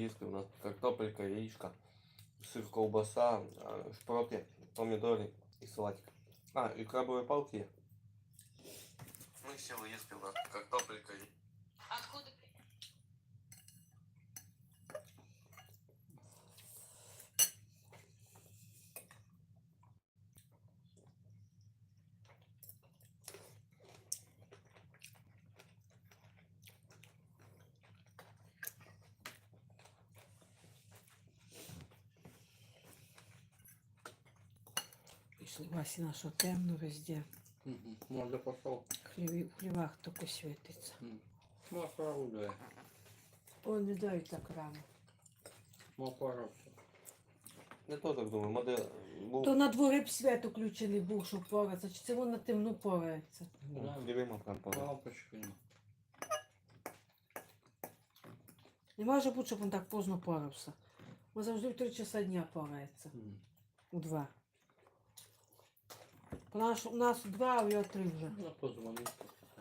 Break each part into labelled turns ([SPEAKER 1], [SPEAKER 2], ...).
[SPEAKER 1] їсти. У нас картопелька, яичко, сыр, колбаса, шпроты, помидоры и салатик. А, и крабовые палки. Мы сели есть у нас картопелька.
[SPEAKER 2] Откуда?
[SPEAKER 3] Пішли Васіна, що темно везде.
[SPEAKER 1] Можно пошел.
[SPEAKER 3] В хлівах тільки світиться.
[SPEAKER 1] Масло орудує.
[SPEAKER 3] О, не дай так рано.
[SPEAKER 1] Масло. Я теж так думаю, модель був.
[SPEAKER 3] То на дворі б світ включений був, щоб поратися, чи це воно на темну порається?
[SPEAKER 1] Дивимо прям по.
[SPEAKER 4] Лампочки.
[SPEAKER 3] Не може бути, щоб він так поздно порався. Він завжди в 3 часа дня порається. У 2. У нас у 2, а у його 3 вже.
[SPEAKER 4] Ну, позвони, попитай.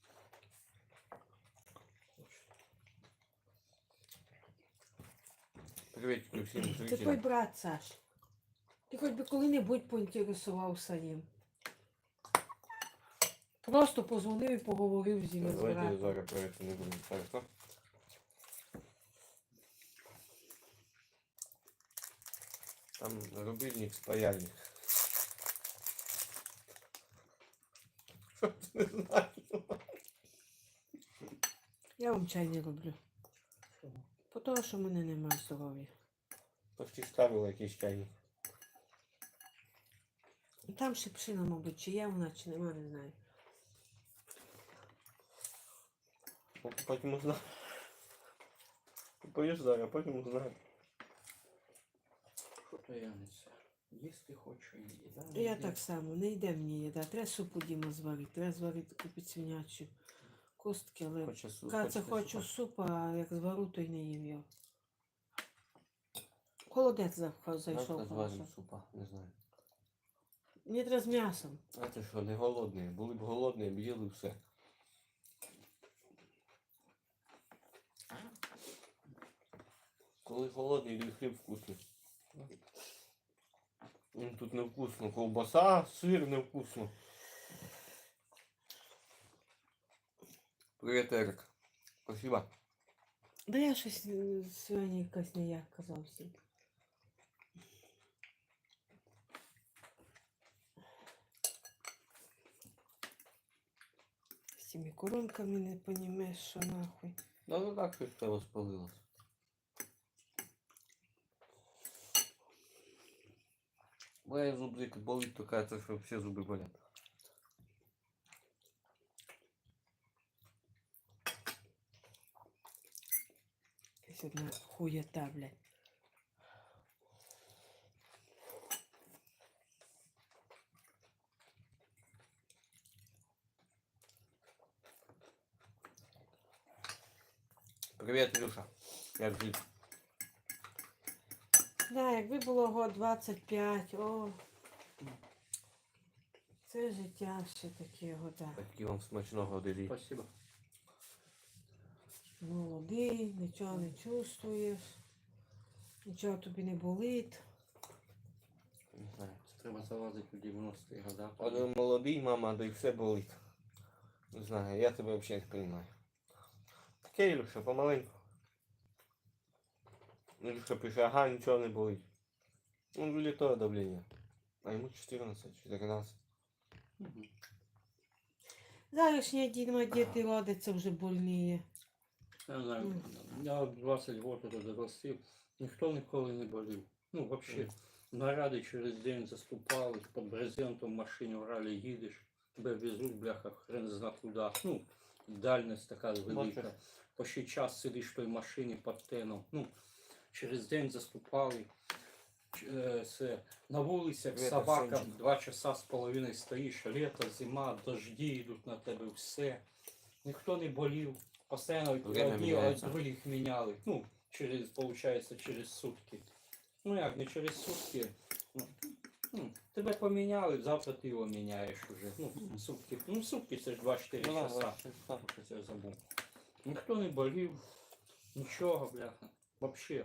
[SPEAKER 1] Приветики всім
[SPEAKER 3] Ти твій
[SPEAKER 1] зрителям.
[SPEAKER 3] брат, Саш. Ти хоч би коли-небудь поінтересувався їм. Просто позвонив і поговорив з ними з
[SPEAKER 1] Давайте
[SPEAKER 3] братом.
[SPEAKER 1] зараз проверити не будемо. Хорошо? Там рубильник, спаяльник. Не знаю.
[SPEAKER 3] Я вам чай не роблю. Тому що в мене немає здоров'я.
[SPEAKER 1] Почти ставила якийсь чайник.
[SPEAKER 3] Там шипшина, мабуть, чи є вона, чи нема, не знаю.
[SPEAKER 1] Потім узнаю. Поїж зараз, потім узнаю.
[SPEAKER 4] Що то я не це? Їсти хочу і їда.
[SPEAKER 3] І я так само, не йде мені їда. Треба супу Діма зварити. Треба зварити купити свинячу костки, але Каця хочу супу, а як звару, то й не їм його. Холодець зайшов.
[SPEAKER 1] Завтра зваримо
[SPEAKER 3] хорошо.
[SPEAKER 1] супа, не знаю.
[SPEAKER 3] Мені треба з м'ясом.
[SPEAKER 1] А ти що, не голодний? Були б голодні, б їли все. Коли голодний, йди хліб вкусний. Тут невкусно. Ковбаса, сир невкусно. Привіт, Ерик. Спасибо.
[SPEAKER 3] Да я щось сьогодні якась ніяк казався. З цими коронками не понімеш, що нахуй.
[SPEAKER 1] Ну так щось тебе спалилось. Моя зубик болить, то кажется, що всі зуби болять.
[SPEAKER 3] Якась одна хуєта, блядь.
[SPEAKER 1] Привіт, Ілюша. Як жити?
[SPEAKER 3] Да, якби було год 25, о. Це життя ще таке года.
[SPEAKER 1] Такі вам смачного диві.
[SPEAKER 4] Спасибо.
[SPEAKER 3] Молодий, нічого не чувствуєш, нічого тобі не болить.
[SPEAKER 1] Не знаю.
[SPEAKER 4] Треба залазити у 90-ті года.
[SPEAKER 1] Один молодий, мама, да й все болить. Не знаю, я тебе взагалі не розумію. Таке, Ілюша, помаленьку. Ілюша пише, ага, нічого не болить. Ну, для того давлення. А йому 14, 14.
[SPEAKER 3] Зарішня Діма, діти родиться вже больніє.
[SPEAKER 4] Я знаю, я 20 років тут ростив, ніхто ніколи не болів. Ну, взагалі, наради через день заступали, під брезентом в машині врали, їдеш, тебе везуть, бляха, хрен зна куди. Ну, дальність така велика. По ще час сидиш в той машині під теном. Ну, через день заступали. Це, на вулицях
[SPEAKER 1] Привет,
[SPEAKER 4] собака
[SPEAKER 1] Арсенчик.
[SPEAKER 4] 2 часа з половиною стоїш, літо, зима, дожді йдуть на тебе, все. Ніхто не болів. Постоянно
[SPEAKER 1] Время
[SPEAKER 4] одні
[SPEAKER 1] міняється.
[SPEAKER 4] других міняли. Ну, через сутки. Ну як, не через сутки. Тебе поміняли, завтра ти його міняєш уже. Ну, сутки. Ну, сутки це ж 24 часа. Що це я забув. Ніхто не болів, нічого, бляха. Вообще.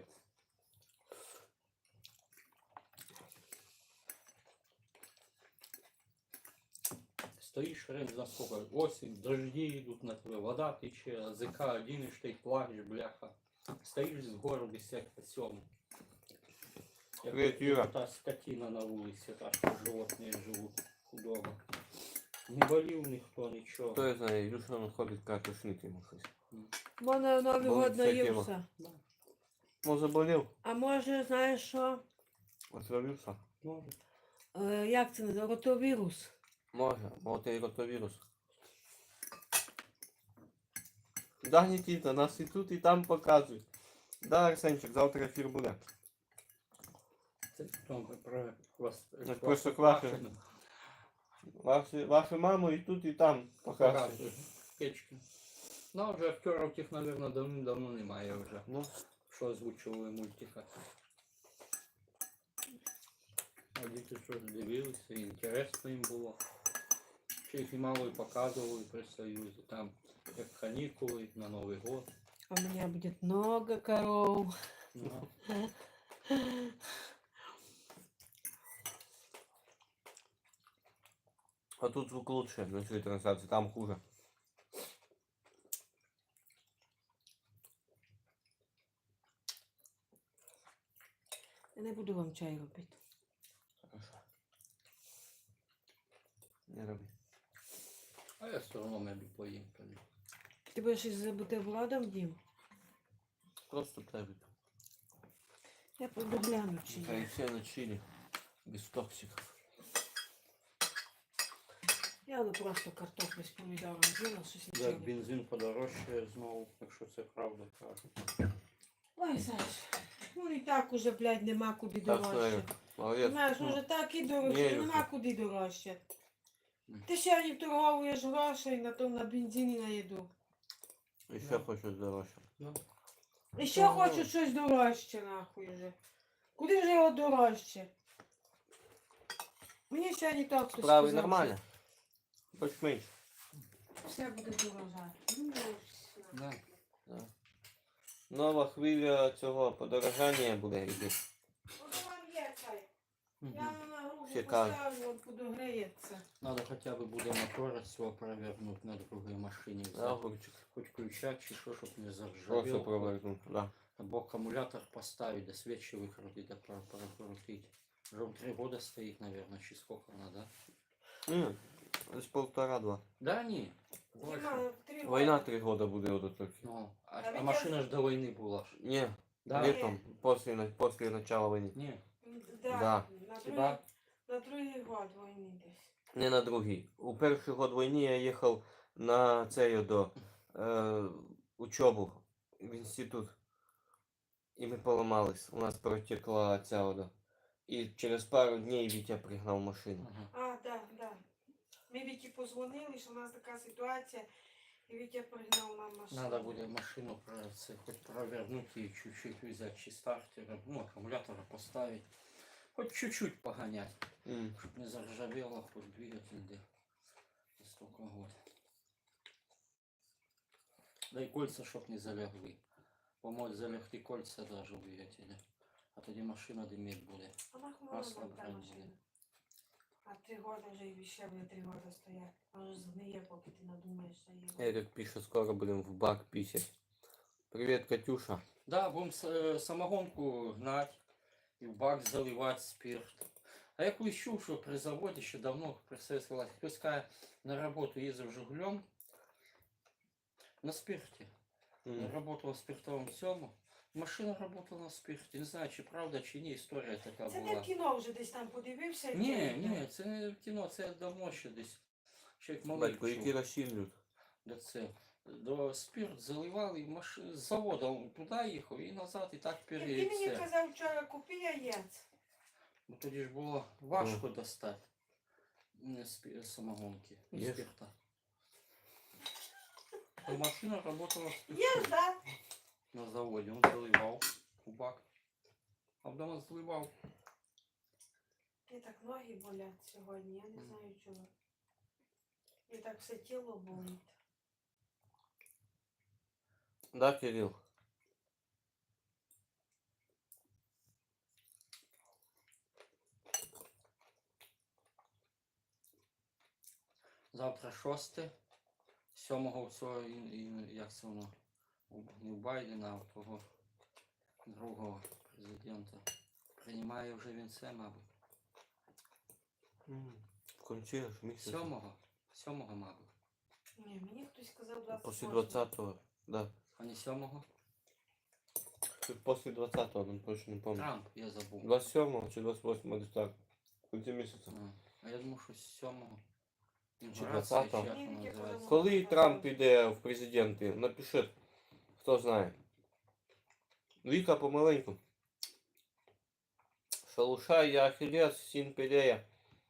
[SPEAKER 4] Стоишь рядом на сколько? Осень, дожди идут на тебя, вода течет, АЗК один, и ты плачешь, бляха. Стоишь с гору без всякого сёма.
[SPEAKER 1] Привет, Юра.
[SPEAKER 4] Та скотина на улице, так что животные живут худого. Не болів ніхто, нічого.
[SPEAKER 1] Хто я знає, Ілюша він ходить, каже, тошнить йому щось.
[SPEAKER 3] В мене Новий
[SPEAKER 1] Болить
[SPEAKER 3] год
[SPEAKER 1] вся тема.
[SPEAKER 3] наївся.
[SPEAKER 1] Може болів?
[SPEAKER 3] А може, знаєш що?
[SPEAKER 1] Отравився?
[SPEAKER 4] Може.
[SPEAKER 3] Як це називається? Ротовірус.
[SPEAKER 1] Може і ротовірус. Да, Нікіта, нас і тут, і там показують. Да, Арсенчик, завтра ефір буде.
[SPEAKER 4] Це там про вас.
[SPEAKER 1] Так просто квашено. Вашу маму і тут, і там показують.
[SPEAKER 4] Печки. Ну, вже актерів тих, мабуть, давно немає вже.
[SPEAKER 1] Ну,
[SPEAKER 4] Що озвучували мультика. А діти щось дивилися, і інтересно їм було. Ще їх і мало і показували при Союзі. Там як канікули на Новий год.
[SPEAKER 3] А у меня будет много коров.
[SPEAKER 4] Ну,
[SPEAKER 1] а тут звук лучше на цій трансляції, там хуже.
[SPEAKER 3] Я не буду вам чай робити.
[SPEAKER 1] Хорошо. Не роби.
[SPEAKER 4] а я все одно мебі поїм тоді.
[SPEAKER 3] Ти будеш із бутербродом, Дім?
[SPEAKER 1] Просто плевит.
[SPEAKER 3] Я пойду гляну, чи є.
[SPEAKER 1] Яйця на чилі. Без токсиків.
[SPEAKER 3] Я просто картоплю з помідором з'їла, щось
[SPEAKER 4] Як
[SPEAKER 3] нічого.
[SPEAKER 4] бензин подорожчає знову, якщо це правда кажуть.
[SPEAKER 3] Ой, Саш, ну і так уже, блядь, нема куди
[SPEAKER 1] Так,
[SPEAKER 3] дорожче.
[SPEAKER 1] молодець.
[SPEAKER 3] Знаєш, уже так і дорожче,
[SPEAKER 1] Ні,
[SPEAKER 3] нема
[SPEAKER 1] Люся.
[SPEAKER 3] куди дорожче. Ти ще не торговуєш грошей на бензин і на їду.
[SPEAKER 1] І ще хочу дорожче.
[SPEAKER 4] Ну,
[SPEAKER 3] І ще хочу щось дорожче, нахуй вже. Куди вже його дорожче? Мені ще не так хтось
[SPEAKER 1] Справи
[SPEAKER 3] сказав,
[SPEAKER 1] нормально? Хоч менше.
[SPEAKER 3] що все буде дорожати. Ну, все.
[SPEAKER 4] да.
[SPEAKER 1] Да. Нова хвиля цього подорожання буде йти.
[SPEAKER 3] От вам є цей.
[SPEAKER 4] Мгм.
[SPEAKER 3] Я на грубу
[SPEAKER 1] Чекай.
[SPEAKER 3] поставлю, от подогреється.
[SPEAKER 4] Надо хотя бы буде мотора цього провернуть на другій машині.
[SPEAKER 1] Да,
[SPEAKER 4] взяти.
[SPEAKER 1] огурчик.
[SPEAKER 4] Хоч ключа чи що, щоб не
[SPEAKER 1] Просто
[SPEAKER 4] заржавів.
[SPEAKER 1] провернути, да.
[SPEAKER 4] Або акумулятор поставить, да свечи выкрутить, да прокрутить. Уже он 3 года стоит, наверное, чи сколько надо.
[SPEAKER 1] Десь 1,5-2.
[SPEAKER 4] Да не, больше.
[SPEAKER 3] Нема, 3
[SPEAKER 1] Війна
[SPEAKER 3] роки.
[SPEAKER 1] 3 роки буде от тільки.
[SPEAKER 4] Ну,
[SPEAKER 3] А
[SPEAKER 4] а
[SPEAKER 3] ведь
[SPEAKER 4] машина ж до войны была. ж.
[SPEAKER 1] Ні,
[SPEAKER 4] Да?
[SPEAKER 1] літом, після начала війни.
[SPEAKER 4] Не,
[SPEAKER 3] Да,
[SPEAKER 1] Да.
[SPEAKER 4] Хіба?
[SPEAKER 3] На другий год війни десь.
[SPEAKER 1] Не на другий. У перший год війни я їхав на цей до учебу в інститут. І ми поламались. У нас протекла ця вода. І через пару днів Вітя пригнав машину.
[SPEAKER 4] ага.
[SPEAKER 3] А, да, да. Ми Віті позвонили, що у нас така ситуація, і Вітя пригнав нам машину.
[SPEAKER 4] Надо будет машину хоть провернуть и чуть-чуть взять чи стартера, ну, аккумулятора поставить. Хоть чуть-чуть погонять, чтобы не заржавело, хоть двигатель, да. За столько год. Да и кольца, чтоб не залягли. Помочь залягти кольца даже у двигателя. А тоді машина димить буде.
[SPEAKER 3] А нахуй
[SPEAKER 4] Масло
[SPEAKER 3] вона та
[SPEAKER 4] брать
[SPEAKER 3] машина.
[SPEAKER 4] буде.
[SPEAKER 3] А 3 роки вже і ще буде 3 роки стоять. Може згниє, поки ти надумаєш, що є.
[SPEAKER 1] Ерик пише, скоро будемо в бак пісять. Привіт, Катюша.
[SPEAKER 4] Да, будем самогонку гнать и в бак заливать спирт. А я колись чув, що при заводі ще давно при Советській власті хтось каже, на роботу їздив Жигулем на спирті. Работал в спиртовому цьому. Машина работала на спирті. Не знаю, чи правда, чи ні, історія така
[SPEAKER 3] Це не
[SPEAKER 4] була.
[SPEAKER 3] в кіно вже десь там подивився. і
[SPEAKER 4] Ні,
[SPEAKER 3] це-
[SPEAKER 4] ні, це не в кіно, це давно ще десь. Ще як малий
[SPEAKER 1] Батько, які
[SPEAKER 4] чув.
[SPEAKER 1] розсілюють.
[SPEAKER 4] До це. До спирт заливали, з заводу туди їхав і назад, і так
[SPEAKER 3] Як ти мені
[SPEAKER 4] перед.
[SPEAKER 3] казав вчора, купи яєць.
[SPEAKER 4] Бо тоді ж було важко достати самогонки, ну,
[SPEAKER 1] Є ж.
[SPEAKER 4] спирта. А машина работала
[SPEAKER 3] Є, да?
[SPEAKER 4] на заводе, он заливал у бак. А вдома заливал.
[SPEAKER 3] Мені так ноги болять сьогодні, я не знаю чого. І так все тіло болить.
[SPEAKER 1] Да, Кирил?
[SPEAKER 4] Завтра 6, 7 цього, як це воно, не у Байдена, а у того другого президента. Приймає вже він це, мабуть.
[SPEAKER 1] В кінці аж місяця.
[SPEAKER 4] 7, мабуть.
[SPEAKER 3] Ні, мені хтось сказав 28.
[SPEAKER 1] Після 20-го, да.
[SPEAKER 4] А не 7?
[SPEAKER 1] Після 20-го, ну точно не пам'ятаю.
[SPEAKER 4] Трамп, я забув.
[SPEAKER 1] 27-го чи 28-го, десь так. В кінці місяця.
[SPEAKER 4] А я думав, що 7-го.
[SPEAKER 1] Чи
[SPEAKER 4] Інаугурація,
[SPEAKER 1] 20-го?
[SPEAKER 4] чи як
[SPEAKER 3] Ні,
[SPEAKER 4] вона
[SPEAKER 3] ніяк
[SPEAKER 4] називається.
[SPEAKER 1] Коли Трамп піде в президенти, напишіть, хто знає. Віка помаленьку. Шалушай, я ахілес, син Пелея.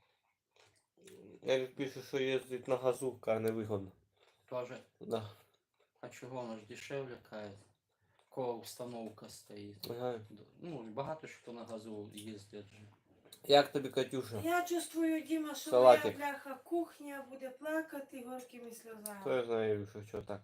[SPEAKER 1] Ерік пише, що їздить на газу, а не вигодно.
[SPEAKER 4] Тоже.
[SPEAKER 1] Да.
[SPEAKER 4] А чого, воно ж дешевле кає. Кова установка стоїть.
[SPEAKER 1] Ага.
[SPEAKER 4] Ну, багато що на газу їздять же.
[SPEAKER 1] Як тобі, Катюша?
[SPEAKER 3] Я чувствую, Діма, що
[SPEAKER 1] Салатик.
[SPEAKER 3] моя бляха кухня буде плакати горькими
[SPEAKER 1] Хто
[SPEAKER 3] сльозами.
[SPEAKER 1] я знаю, Ілюша, що так?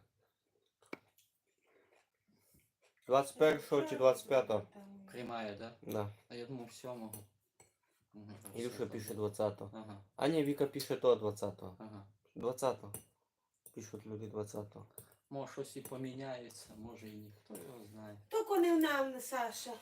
[SPEAKER 1] 21-го чи 25-го?
[SPEAKER 4] Приймає, да?
[SPEAKER 1] Да.
[SPEAKER 4] А я думав 7-го. Мгм,
[SPEAKER 1] Ілюша
[SPEAKER 4] все,
[SPEAKER 1] пише
[SPEAKER 4] забув.
[SPEAKER 1] 20-го.
[SPEAKER 4] Ага,
[SPEAKER 1] А ні, Віка пише то 20-го.
[SPEAKER 4] ага.
[SPEAKER 1] 20-го. Пишуть люди 20-го.
[SPEAKER 4] Може щось і поміняється, може і ні. Хто його знає.
[SPEAKER 3] Тільки не в нам, Саша.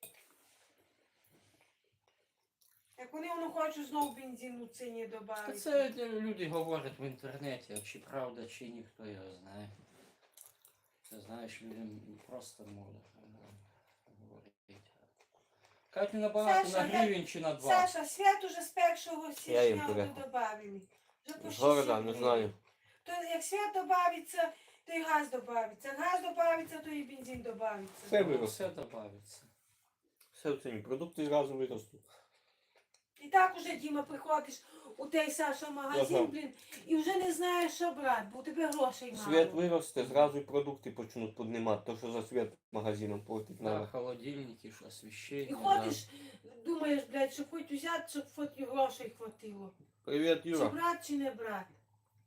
[SPEAKER 3] Як вони воно хочуть знову бензину в ціні
[SPEAKER 4] Та
[SPEAKER 3] додати.
[SPEAKER 4] це люди говорять в інтернеті, а чи правда, чи ні, хто його знає. Ти знаєш, людям просто можна говорити. Кажуть, не набагато
[SPEAKER 3] Саша,
[SPEAKER 4] на гривень чи на 2.
[SPEAKER 3] Саша, свят уже з 1
[SPEAKER 1] Я їм
[SPEAKER 3] січня
[SPEAKER 1] порядку.
[SPEAKER 3] вже добавили. Вже по
[SPEAKER 1] З города,
[SPEAKER 3] 6
[SPEAKER 1] не
[SPEAKER 3] днів.
[SPEAKER 1] знаю.
[SPEAKER 3] То як свят додається, то і газ додається. Газ додається, то і бензин додається.
[SPEAKER 1] Все виросте.
[SPEAKER 4] Все додається.
[SPEAKER 1] Все в ціні. Продукти зразу виростуть.
[SPEAKER 3] І так уже, Діма, приходиш у той Саша магазин,
[SPEAKER 1] Ага.
[SPEAKER 3] блін, і вже не знаєш, що брати, бо у тебе грошей мало.
[SPEAKER 1] Світ виросте, зразу і продукти почнуть піднімати. То, що за світ магазином платить
[SPEAKER 4] Да,
[SPEAKER 1] надо.
[SPEAKER 4] холодильники, що освіщення.
[SPEAKER 3] І ходиш, думаєш, блядь, щоб хоч взяти, щоб хоч і грошей хватило.
[SPEAKER 1] Привіт,
[SPEAKER 3] Чи
[SPEAKER 1] Юра.
[SPEAKER 3] брати, чи не брати.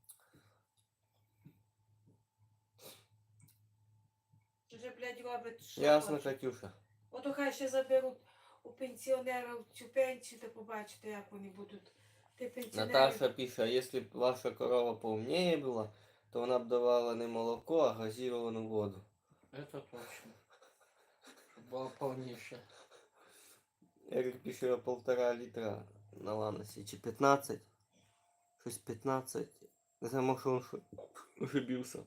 [SPEAKER 3] Вже, блядь, роблять, що
[SPEAKER 1] Ясно,
[SPEAKER 3] хочуть.
[SPEAKER 1] Катюша.
[SPEAKER 3] Ото хай ще заберуть у пенсіонерів цю пенсію, то побачите, як вони будуть. Ти пенсіонери.
[SPEAKER 1] Наташа пише, а якщо б ваша корова поумнее була, то вона б давала не молоко, а газіровану воду.
[SPEAKER 4] Это точно. Щоб було повніше.
[SPEAKER 1] Ерік пише 1,5 літра на Ланосі, чи 15. Щось 15. Не знаю, може він ошибився.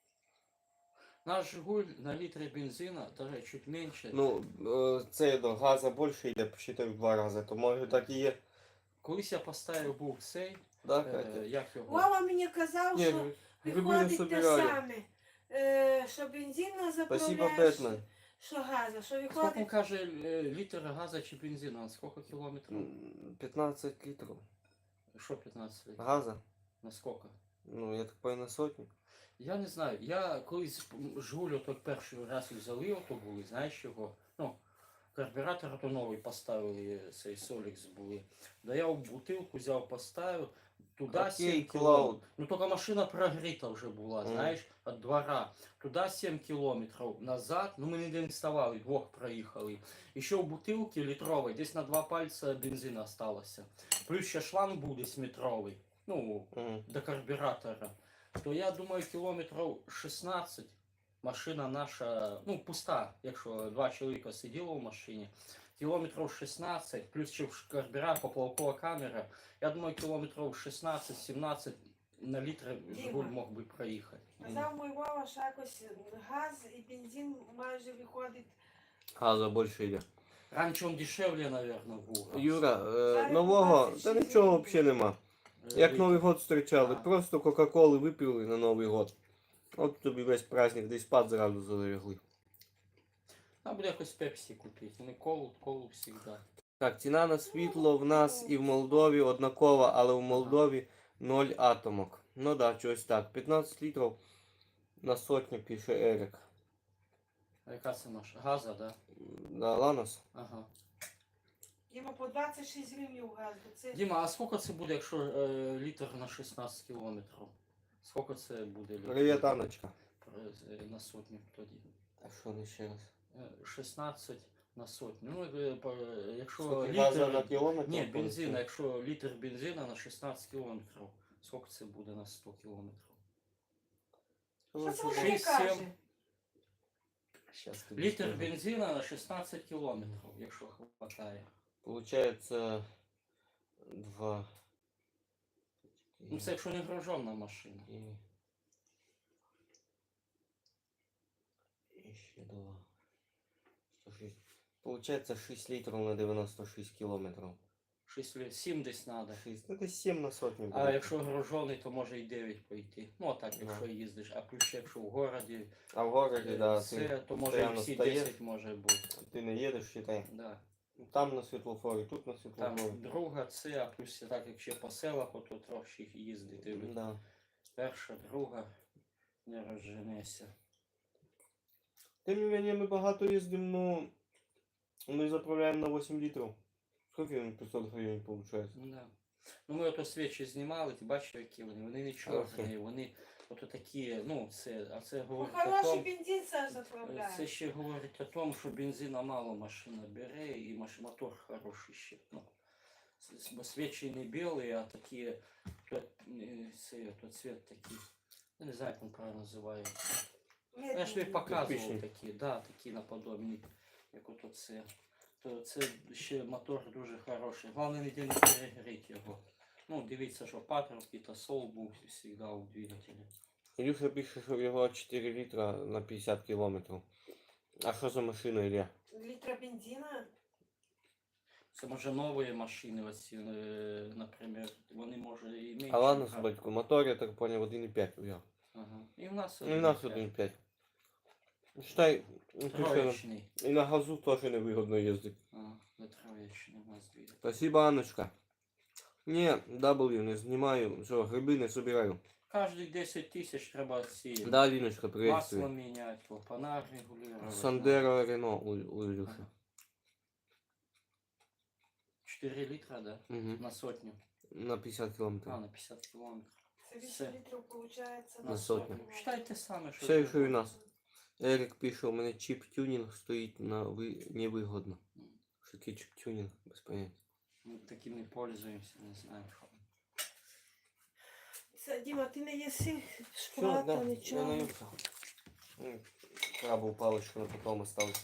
[SPEAKER 4] Наш Жигуль на літр бензина даже чуть менше.
[SPEAKER 1] Ну, це до газу більше йде, посчитай в 2 рази, то може так і є.
[SPEAKER 4] Колись я поставив був цей,
[SPEAKER 1] Да, Катя?
[SPEAKER 4] як його?
[SPEAKER 3] Вова мені казав,
[SPEAKER 1] Ні,
[SPEAKER 3] що
[SPEAKER 1] гриби не
[SPEAKER 3] приходить те
[SPEAKER 1] собирали.
[SPEAKER 3] саме. Що бензина
[SPEAKER 1] Спасибо,
[SPEAKER 3] заправляєш,
[SPEAKER 1] Бетмен.
[SPEAKER 3] що газа, що
[SPEAKER 4] Сколько
[SPEAKER 3] виходить.
[SPEAKER 4] каже літр газа чи бензина? На сколько кілометрів?
[SPEAKER 1] 15 літрів.
[SPEAKER 4] Що 15 літрів?
[SPEAKER 1] Газа?
[SPEAKER 4] На сколько?
[SPEAKER 1] Ну, я так понял, на сотню.
[SPEAKER 4] Я не знаю. Я колись Жигулю так перший раз взяли, ото були, знаєш чого? Ну, карбюратор то новий поставили, цей Солікс були. Да я в бутилку взяв, поставив, туди
[SPEAKER 1] Окей,
[SPEAKER 4] 7
[SPEAKER 1] Cloud.
[SPEAKER 4] кілометрів. Ну, тільки машина прогріта вже була,
[SPEAKER 1] Мгм.
[SPEAKER 4] знаєш, від двора. Туди 7 кілометрів назад, ну ми ніде не вставали, двох проїхали. І ще в бутилці літровій, десь на 2 пальця бензину осталося. Плюс ще шланг був десь метровий, ну, до карбюратора. То я думаю, кілометрів 16 машина наша, ну, пуста, якщо 2 чоловіка сиділо в машині. Кілометрів 16, плюс ще карбюратор, поплавкова камера. Я думаю, кілометрів 16-17 на літр Жигуль мог би проїхати.
[SPEAKER 3] Казав мій Вова, що якось газ і бензин майже виходить.
[SPEAKER 1] Газа більше йде.
[SPEAKER 4] Раніше він дешевле, мабуть, був.
[SPEAKER 1] Юра,
[SPEAKER 3] Зараз
[SPEAKER 1] нового,
[SPEAKER 3] 26
[SPEAKER 1] та нічого
[SPEAKER 3] гривень.
[SPEAKER 1] взагалі нема. Як Новий год зустрічали,
[SPEAKER 4] А.
[SPEAKER 1] просто Кока-Коли випили на Новий год. От тобі весь праздник, десь спад зразу залягли.
[SPEAKER 4] Нам буде якось пепсі купити. Вони колу завжди.
[SPEAKER 1] Так, ціна на світло в нас і в Молдові однакова, але в Молдові 0 атомок. Ну да, щось так. 15 літрів на сотню пише Ерік.
[SPEAKER 4] А яка це наша? Газа, да?
[SPEAKER 1] Да, Ланос?
[SPEAKER 4] Ага.
[SPEAKER 3] Діма, по 26 гривень газ. бо Це
[SPEAKER 4] Діма, а скільки це буде, якщо літр на 16 кілометрів? Скільки це буде літрів?
[SPEAKER 1] Привіт, Аночка.
[SPEAKER 4] На сотню тоді.
[SPEAKER 1] А що не ще раз?
[SPEAKER 4] 16 на сотню. Ну, якщо
[SPEAKER 1] Скільки газа на
[SPEAKER 4] літр...
[SPEAKER 1] кілометр?
[SPEAKER 4] Ні, бензина, якщо літр бензина на 16 кілометрів. Сколько це буде на 100 кілометрів?
[SPEAKER 3] Що це
[SPEAKER 1] Короче,
[SPEAKER 3] вона не
[SPEAKER 4] 6-7.
[SPEAKER 3] каже?
[SPEAKER 1] щас тобі
[SPEAKER 4] Літр
[SPEAKER 1] скажу.
[SPEAKER 4] бензина на 16 кілометрів, якщо хватає.
[SPEAKER 1] Получается 2.
[SPEAKER 4] Ну це якщо не гружена машина.
[SPEAKER 1] Еще 2. 106. Получается 6 литров на 96 километров.
[SPEAKER 4] 7 десь треба.
[SPEAKER 1] 6. Это 7 на сотню.
[SPEAKER 4] А
[SPEAKER 1] будет.
[SPEAKER 4] якщо гружений, то може і 9 пойти. Ну а так, якщо їздиш. А плюс якщо в городі,
[SPEAKER 1] А в городе, да,
[SPEAKER 4] це, то може і
[SPEAKER 1] постоянно
[SPEAKER 4] всі
[SPEAKER 1] стоїш.
[SPEAKER 4] 10 може бути.
[SPEAKER 1] ты не едешь, считай.
[SPEAKER 4] Да.
[SPEAKER 1] Там на світлофорі, тут на світлофорі.
[SPEAKER 4] Там друга це, а плюс так як ще по селах, то трохи їздити.
[SPEAKER 1] Да.
[SPEAKER 4] Перша, друга, не розженешся.
[SPEAKER 1] Тим не менее, ми багато їздимо, ну, ми заправляємо на 8 літрів. Скільки він 500 гривень виходить?
[SPEAKER 4] Ну, да. Ну ми ото свічі знімали, ти бачив, які вони не чорні, вони ото такі, ну, а це
[SPEAKER 3] Ну,
[SPEAKER 4] говорить о
[SPEAKER 3] хороший
[SPEAKER 4] тому,
[SPEAKER 3] бензин Саша заправляє.
[SPEAKER 4] це ще говорить о тому, що бензина мало машина бере і мотор хороший ще. Ну, бо свічі не білі, а такі, цвет такий, я не знаю, як він правильно називається. Я ж тобі показував
[SPEAKER 1] Кирпичний.
[SPEAKER 4] такі, да, такі наподобні, як ото це. То це ще мотор дуже хороший. Головне ніде не перегріти його. Ну, дивіться, що патрубки та сол був завжди у двигателі.
[SPEAKER 1] Ілюша пише, що в його 4 літра на 50 кілометрів. А що за машина, Ілля?
[SPEAKER 3] Літра бензина?
[SPEAKER 4] Це може нові машини, оці, наприклад, вони може і менше.
[SPEAKER 1] А ладно,
[SPEAKER 4] брати.
[SPEAKER 1] собачку, мотор, я так понял, 1,5 у його.
[SPEAKER 4] Ага. І в нас
[SPEAKER 1] Ну, і у нас
[SPEAKER 4] 1,5.
[SPEAKER 1] 1,5. Считай, Ілюша,
[SPEAKER 4] Троєчний.
[SPEAKER 1] і на газу теж невигодно їздити.
[SPEAKER 4] Не троєчний у нас двигатель.
[SPEAKER 1] Спасибо, Анночка. Ні, W не знімаю, що, гриби не собираю.
[SPEAKER 4] Кожні 10 тисяч треба ці
[SPEAKER 1] Да, Ліночка,
[SPEAKER 4] масло
[SPEAKER 1] приветствую.
[SPEAKER 4] міняти, клапана регулювати.
[SPEAKER 1] Сандеро Рено у Ілюші.
[SPEAKER 4] 4 літра, да?
[SPEAKER 1] Угу.
[SPEAKER 4] На сотню.
[SPEAKER 1] На 50 кілометрів.
[SPEAKER 4] На 50 кілометрів.
[SPEAKER 3] Це 8
[SPEAKER 4] Все.
[SPEAKER 3] літрів виходить
[SPEAKER 1] На сотню.
[SPEAKER 4] Считайте саме, що...
[SPEAKER 1] Все, що і у нас. Ерік пише, у мене чіп-тюнінг стоїть на невигодно. Що таке чіп-тюнінг? Без поняття.
[SPEAKER 4] Ми таким не пользуємося, не знаю, що.
[SPEAKER 3] Це, Діма, ти не їси
[SPEAKER 1] Все,
[SPEAKER 3] шоколада,
[SPEAKER 1] да, я
[SPEAKER 3] нічого.
[SPEAKER 1] наївся. Крабову паличку на потом оставлю.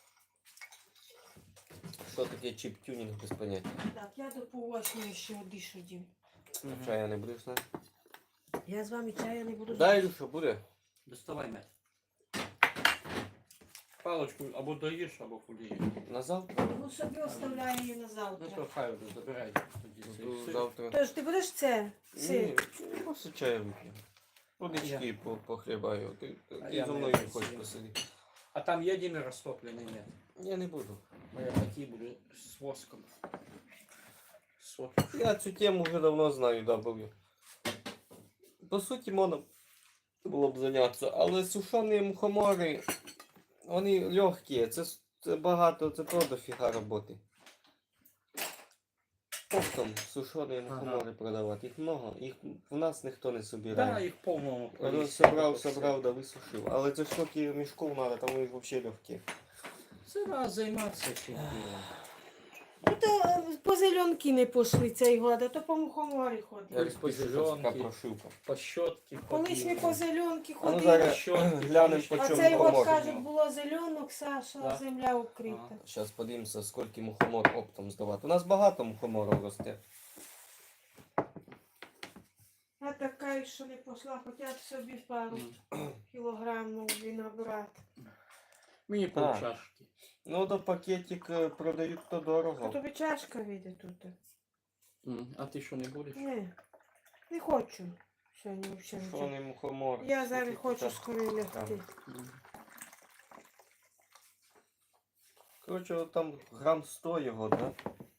[SPEAKER 1] Що таке чіп-тюнінг без поняття?
[SPEAKER 3] Так, я до пол-8 ще одишу, Дім.
[SPEAKER 1] Чая не будеш знати?
[SPEAKER 3] Я з вами чая не буду.
[SPEAKER 1] Да, Ілюша, буде.
[SPEAKER 4] Доставай м'ять. Палочку або доїш, або фулієш.
[SPEAKER 1] На завтра?
[SPEAKER 3] Ну собі оставляю її на
[SPEAKER 4] Ну
[SPEAKER 3] завтра.
[SPEAKER 4] то хай вже забирай тоді цей
[SPEAKER 1] Буду
[SPEAKER 4] сир.
[SPEAKER 1] завтра.
[SPEAKER 3] Тож, ти будеш це?
[SPEAKER 1] Ні,
[SPEAKER 3] Сир?
[SPEAKER 1] просто чаю вип'ю. Водички
[SPEAKER 4] Я-
[SPEAKER 1] похлібаю. Ти
[SPEAKER 4] я
[SPEAKER 1] зі
[SPEAKER 4] не
[SPEAKER 1] мною
[SPEAKER 4] хочу.
[SPEAKER 1] хочеш посидіти?
[SPEAKER 4] А там є Дімі розтоплений, ні?
[SPEAKER 1] Я не буду.
[SPEAKER 4] Бо я такий буду з воском. Сотку.
[SPEAKER 1] Я цю тему вже давно знаю, W. По суті, можна було б зайнятися, але сушені мухомори, вони легкі, це багато, це то дофіга роботи. Оптом сушені мухомори продавати, їх много, їх в нас ніхто не
[SPEAKER 4] Да,
[SPEAKER 1] собирає.
[SPEAKER 4] їх повному.
[SPEAKER 1] Собрав, да висушив, але це ж скільки мішків треба, там вони взагалі легкі.
[SPEAKER 4] Це треба займатися цим ділом.
[SPEAKER 3] Ну то по зеленки не пішли цей год, а то по мухоморі ходили.
[SPEAKER 1] Я спишу, що це така
[SPEAKER 4] зеленки.
[SPEAKER 1] прошивка.
[SPEAKER 4] По щотки
[SPEAKER 3] Колись ми по зеленки
[SPEAKER 1] А ну
[SPEAKER 3] ходили.
[SPEAKER 1] зараз
[SPEAKER 4] Щотки,
[SPEAKER 1] глянемо, по
[SPEAKER 3] А
[SPEAKER 1] чому
[SPEAKER 3] цей год,
[SPEAKER 1] мухомор.
[SPEAKER 3] кажуть, було зеленок, Саша,
[SPEAKER 4] Да.
[SPEAKER 3] земля укрита.
[SPEAKER 1] Зараз подивимося, скільки мухомор оптом здавати. У нас багато мухоморів росте.
[SPEAKER 3] Я така, що не пішла, хоча б собі пару кілограм могли набрати.
[SPEAKER 4] Мені
[SPEAKER 1] Так.
[SPEAKER 4] полчашки.
[SPEAKER 1] Ну, до пакетик продають то
[SPEAKER 3] А
[SPEAKER 1] дорого.
[SPEAKER 3] тобі чашка вийде тут.
[SPEAKER 4] А ти що не будеш?
[SPEAKER 3] Не хочу сьогодні взагалі
[SPEAKER 1] Що
[SPEAKER 3] нічого.
[SPEAKER 1] не мухомор?
[SPEAKER 3] Я зараз
[SPEAKER 1] Скільки
[SPEAKER 3] хочу
[SPEAKER 1] тут?
[SPEAKER 3] скорее лягти.
[SPEAKER 1] Коротше, там грам 100 його, да?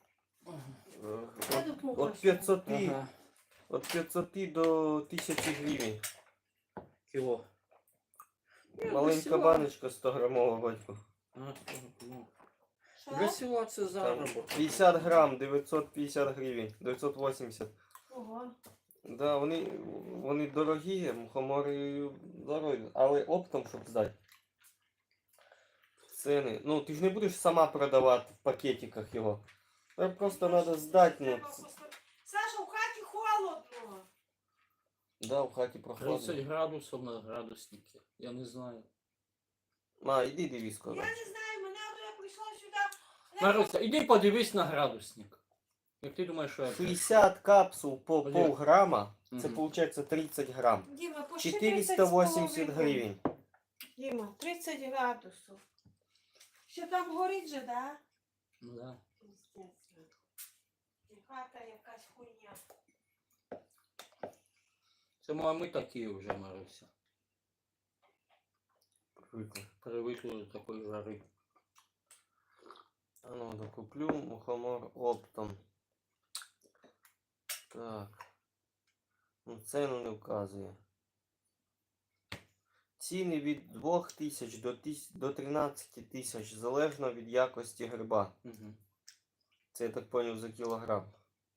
[SPEAKER 3] Я тут муха
[SPEAKER 1] От 500,
[SPEAKER 4] Ага.
[SPEAKER 1] от 500 до 1000 гривень.
[SPEAKER 4] Кіло.
[SPEAKER 1] Маленька баночка 100 грамова, батько.
[SPEAKER 3] Що?
[SPEAKER 4] Для села це
[SPEAKER 1] Там
[SPEAKER 4] заробок.
[SPEAKER 1] 50 грам, 950 гривень, 980.
[SPEAKER 3] Ого.
[SPEAKER 1] Да, вони дорогі, мухомори дорогі, але оптом, щоб здати. Ціни. Ну, ти ж не будеш сама продавати в пакетиках його. Просто треба здати. Ну,
[SPEAKER 3] Саша, в хаті холодно.
[SPEAKER 1] Да, в хаті
[SPEAKER 4] 30
[SPEAKER 1] прохладно.
[SPEAKER 4] градусів на градуснике. Я не знаю.
[SPEAKER 1] Ма, іди дивись скоро.
[SPEAKER 3] Я не знаю, мене я прийшла сюди.
[SPEAKER 4] Маруся, іди подивись на градусник. Як ти думаєш, що я...
[SPEAKER 1] 60 капсул по
[SPEAKER 4] Блін.
[SPEAKER 1] полграма, це
[SPEAKER 4] Мгм.
[SPEAKER 1] виходить 30 грам.
[SPEAKER 3] Діма, почти
[SPEAKER 1] 480 гривень.
[SPEAKER 3] Діма, 30 градусів. Ще там горить же, да?
[SPEAKER 4] Ну, да.
[SPEAKER 3] Пиздець. І хата якась хуйня.
[SPEAKER 4] Це ми такі вже, Маруся.
[SPEAKER 1] Привикли.
[SPEAKER 4] Привикли до такої жари.
[SPEAKER 1] А ну, докуплю мухомор оптом. Так. Ну, ціну не вказує. Ціни від 2000 до 13 тисяч, залежно від якості гриба.
[SPEAKER 4] Угу.
[SPEAKER 1] Це я так поняв за кілограм.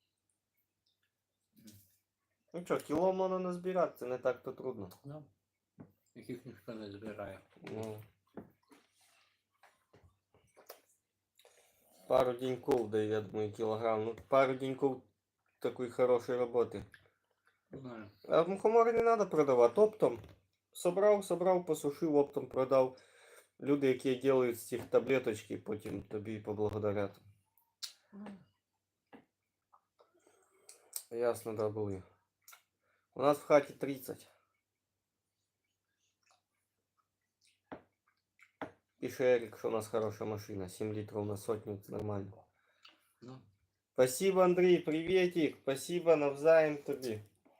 [SPEAKER 1] Ну що, кіло можна назбирати, це не так-то трудно.
[SPEAKER 4] Да. Яких ніхто не збирає.
[SPEAKER 1] Ну. Пару деньков, да, я думаю, килограмм. Ну, пару деньков такой хорошей работы.
[SPEAKER 4] Не знаю.
[SPEAKER 1] А мухомори не надо продавати. Оптом. Собрав, посушив, оптом продав. Люди, які роблять з цих таблеточки, потім тобі поблагодарять. Ясно, да, були. У нас в хаті 30. Пише Ерік, що у нас хороша машина. 7 літрів на сотню, це нормально.
[SPEAKER 4] Ну.
[SPEAKER 1] Спасибо, Андрій, приветик. Спасибо, навзаєм тобі.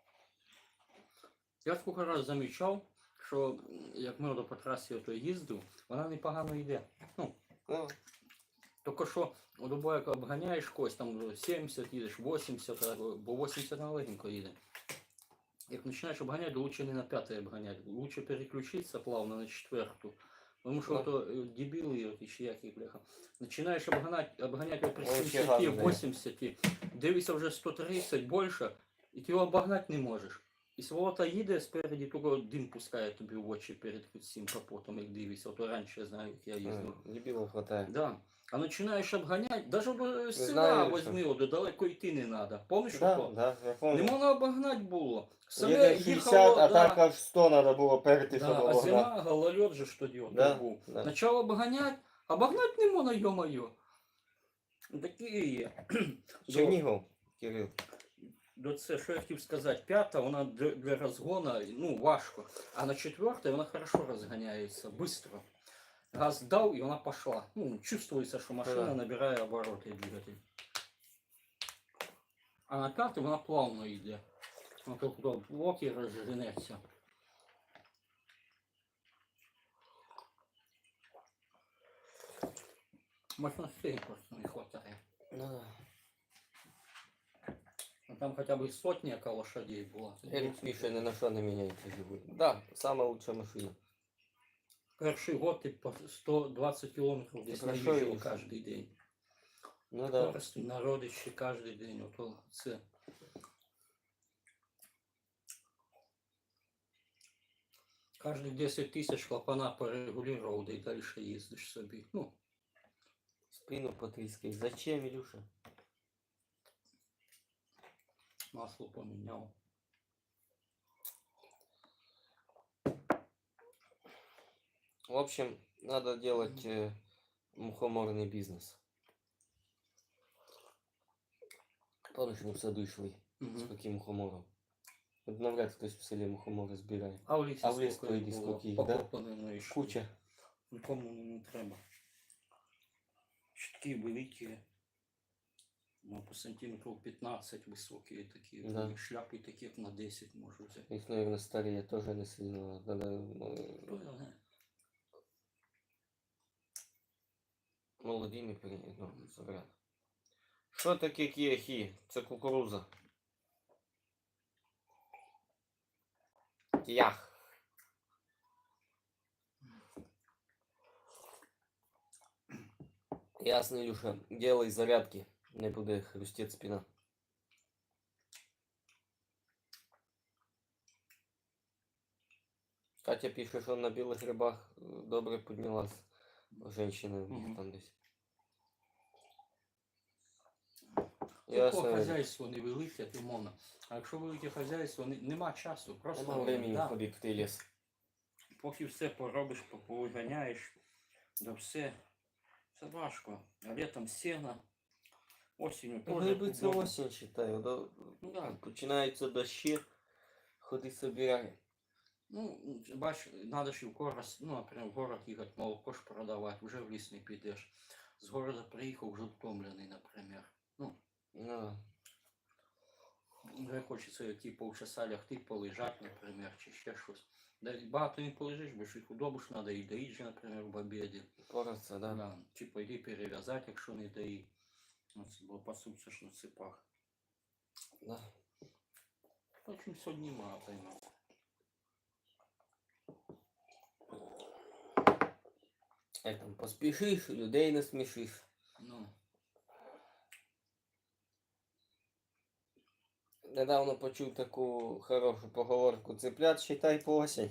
[SPEAKER 4] Я скільки раз замічав, що як ми по трасі ото їздив, вона непогано йде. Ну,
[SPEAKER 1] Ну,
[SPEAKER 4] тільки що любой, як обганяєш когось, там 70 їдеш, 80, бо 80 на легенько їде. Як починаєш обганяти, то лучше не на 5 обганяти. Лучше переключитися плавно на 4. Тому що
[SPEAKER 1] Да.
[SPEAKER 4] то дебіли, от ще які, бляха. Починаєш обганяти при
[SPEAKER 1] Вообще
[SPEAKER 4] 70,
[SPEAKER 1] гадно.
[SPEAKER 4] 80, дивишся вже 130 більше, і ти його обогнати не можеш. І сволота їде спереді, тільки дим пускає тобі в очі перед цим капотом, як дивишся. Ото раніше я знаю, як я їздив.
[SPEAKER 1] дебілов хватає.
[SPEAKER 4] Да. А починаєш обганяти, навіть до села
[SPEAKER 1] знаю,
[SPEAKER 4] возьми, от, далеко йти не треба. Помниш,
[SPEAKER 1] Да,
[SPEAKER 4] ото?
[SPEAKER 1] да, я
[SPEAKER 4] Не
[SPEAKER 1] помню.
[SPEAKER 4] можна обогнати було.
[SPEAKER 1] Їде 60, а так аж 100 треба було перейти, щоб
[SPEAKER 4] Да, а
[SPEAKER 1] обогнати.
[SPEAKER 4] зима, гололед же ж тоді от
[SPEAKER 1] Да,
[SPEAKER 4] був.
[SPEAKER 1] да.
[SPEAKER 4] Начало обогнать не можна, йо-моє. Такі є.
[SPEAKER 1] Чернігов, Кирил.
[SPEAKER 4] До це, що я хотів сказати, 5 вона для розгону, ну, важко. А на 4 вона хорошо розганяється, швидко. Газ дав і вона пішла. Ну, чувствується, що машина
[SPEAKER 1] Да.
[SPEAKER 4] набирає обороти двигатель. А на 5 вона плавно йде. Вона тут в блоки розженеться. Мощностей просто не хватає.
[SPEAKER 1] Ну, да.
[SPEAKER 4] Ну, там хотя бы сотня яка лошадей була.
[SPEAKER 1] Ерік пише, ні на що не міняється живий. Да, сама лучша машина.
[SPEAKER 4] Перший год ти по 120 кілометрів десь
[SPEAKER 1] хорошо
[SPEAKER 4] наїжджав
[SPEAKER 1] їздиш.
[SPEAKER 4] кожен день.
[SPEAKER 1] Ну да.
[SPEAKER 4] Просто на родичі кожен день. Ото це. Кожні 10 тисяч клапана порегулював, да й далі їздиш собі. Ну,
[SPEAKER 1] Спину потріскай. Зачем, Ілюша?
[SPEAKER 4] масло поміняв.
[SPEAKER 1] В общем, надо делать мухоморный бизнес. Помнишь, мы в саду йшли з
[SPEAKER 4] Угу.
[SPEAKER 1] таким мухомором? От навряд хтось в селі мухомори збирає.
[SPEAKER 4] А в лісі
[SPEAKER 1] А в ліс
[SPEAKER 4] скільки
[SPEAKER 1] пройди,
[SPEAKER 4] було
[SPEAKER 1] скільки їх, да?
[SPEAKER 4] покопано, і що?
[SPEAKER 1] Куча.
[SPEAKER 4] Нікому не треба. Щитки великі. Ну, по сантиметрів 15 високі такі.
[SPEAKER 1] Да.
[SPEAKER 4] І шляпи такі, як на 10 можу взяти.
[SPEAKER 1] Їх, наверное, старі, теж не сильно. Надо,
[SPEAKER 4] Хто його знає?
[SPEAKER 1] молоді не забрати. Що таке кіахі? Це кукуруза. Кіях. Ясно, Илюша. Делай зарядки. Не буде хрустеть спина. Катя пише, що на білих грибах добре піднялась женщина
[SPEAKER 4] Мгм.
[SPEAKER 1] там десь.
[SPEAKER 4] Тільки
[SPEAKER 1] Ясно.
[SPEAKER 4] хазяйство невелике, то можна. А якщо велике хазяйство, нема часу, просто
[SPEAKER 1] Нема времени
[SPEAKER 4] да,
[SPEAKER 1] ходити в той ліс.
[SPEAKER 4] поки все поробиш, повиганяєш, да все. Це важко. А літом сено, осінню теж.
[SPEAKER 1] Гриби це
[SPEAKER 4] удобно.
[SPEAKER 1] осінь, вважаю.
[SPEAKER 4] Ну, да.
[SPEAKER 1] Починаються дощі, ходи собирай.
[SPEAKER 4] Ну, бач, надо ж і в город, ну, наприклад, в город їхати, молоко ж продавати, вже в ліс не підеш. З города приїхав, вже втомлений, наприклад. Ну,
[SPEAKER 1] Ну,
[SPEAKER 4] вже хочеться які полчаса лягти, полежати, наприклад, чи ще щось. Да, багато не полежиш, бо ж і худобу ж треба і доїть же, наприклад, в обіді.
[SPEAKER 1] пораться, да.
[SPEAKER 4] Да. Чи пойди перев'язати, якщо не доїть. Ну, це було пасуться ж на цепах.
[SPEAKER 1] Да.
[SPEAKER 4] В общем, сьогодні мало поймав.
[SPEAKER 1] Як там поспішиш, людей не смішиш.
[SPEAKER 4] Ну,
[SPEAKER 1] Недавно почув таку хорошу поговорку. Цыплят считай по осень.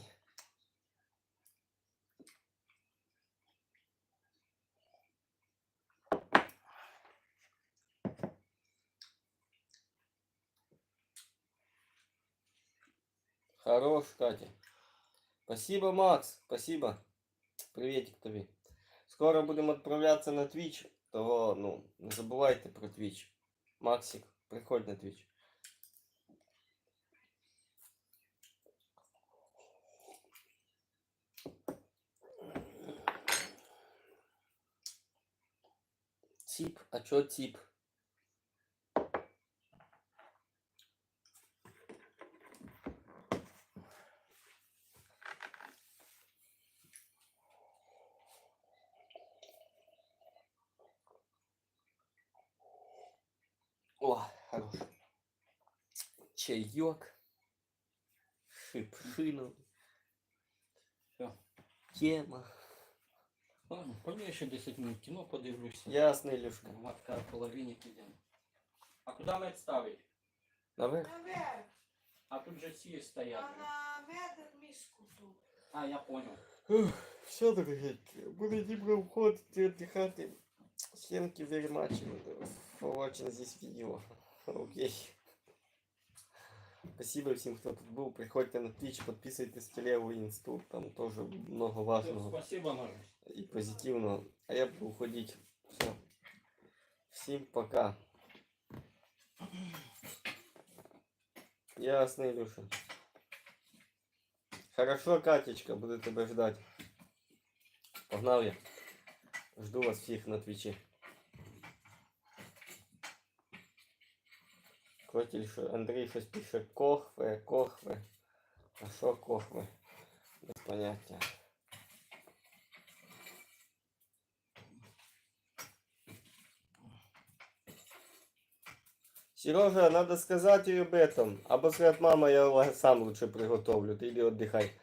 [SPEAKER 1] Хорош, Катя. Спасибо, Макс. Спасибо. Приветик тобі. Скоро будемо відправлятися на Twitch. Того, ну, не забувайте про Twitch. Максик, приходь на Twitch. Тип, а чё тип? О, хорош. Чаек. Шипшину.
[SPEAKER 4] Всё.
[SPEAKER 1] Тема.
[SPEAKER 4] ладно, пойду я ще 10 минут кіно подивлюся.
[SPEAKER 1] Ясно, Илюшка.
[SPEAKER 4] Матка в половині підемо. А куди мед ставить?
[SPEAKER 1] Наверх.
[SPEAKER 3] Наверх,
[SPEAKER 4] А тут же ці стоять.
[SPEAKER 3] а на медик мішку тут.
[SPEAKER 4] А, я понял.
[SPEAKER 1] Все, дорогенькі, буде Дімка входити, віддихати. Всем very much for watching this video. Окей. Спасибо всем, кто тут был. Приходите на Twitch, подписывайтесь в телегу и инсту. Там тоже много важного
[SPEAKER 4] Спасибо, Марусь.
[SPEAKER 1] и позитивного. А я буду уходить. Все. Всем пока. Ясно, Илюша. Хорошо, Катечка, буду тебя ждать. Погнал я. Жду вас всех на Твиче. Котель, Андрій щось пише кохве, кохве. А що кохве? Без поняття. Сережа, надо сказать ей об этом. Або сказать, мама, я сам лучше приготовлю, ты иди отдыхай.